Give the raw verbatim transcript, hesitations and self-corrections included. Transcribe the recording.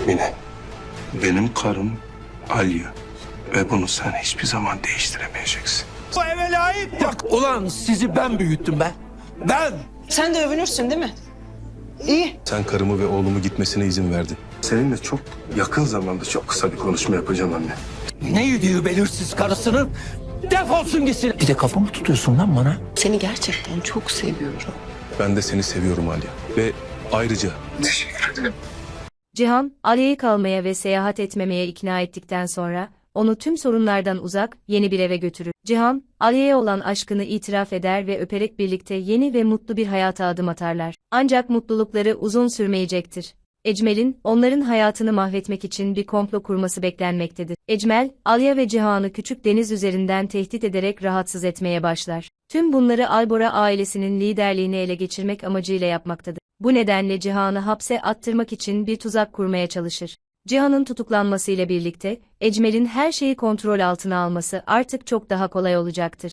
Mine, benim karım Alya ve bunu sen hiçbir zaman değiştiremeyeceksin. Bu eve layık bak. Ulan sizi ben büyüttüm be. Ben. Sen de övünürsün değil mi? İyi. Sen karımı ve oğlumu gitmesine izin verdin. Seninle çok yakın zamanda çok kısa bir konuşma yapacağım anne. Ne yediği belirsiz karısının defolsun gitsin. Bir de kafamı tutuyorsun lan bana. Seni gerçekten çok seviyorum. Ben de seni seviyorum Alya. Ve ayrıca Teşekkür ederim. Cihan, Alya'yı kalmaya ve seyahat etmemeye ikna ettikten sonra, onu tüm sorunlardan uzak, yeni bir eve götürür. Cihan, Alya'ya olan aşkını itiraf eder ve öperek birlikte yeni ve mutlu bir hayata adım atarlar. Ancak mutlulukları uzun sürmeyecektir. Ecmel'in, onların hayatını mahvetmek için bir komplo kurması beklenmektedir. Ecmel, Alya ve Cihan'ı küçük deniz üzerinden tehdit ederek rahatsız etmeye başlar. Tüm bunları Albora ailesinin liderliğini ele geçirmek amacıyla yapmaktadır. Bu nedenle Cihan'ı hapse attırmak için bir tuzak kurmaya çalışır. Cihan'ın tutuklanmasıyla birlikte, Ecmel'in her şeyi kontrol altına alması artık çok daha kolay olacaktır.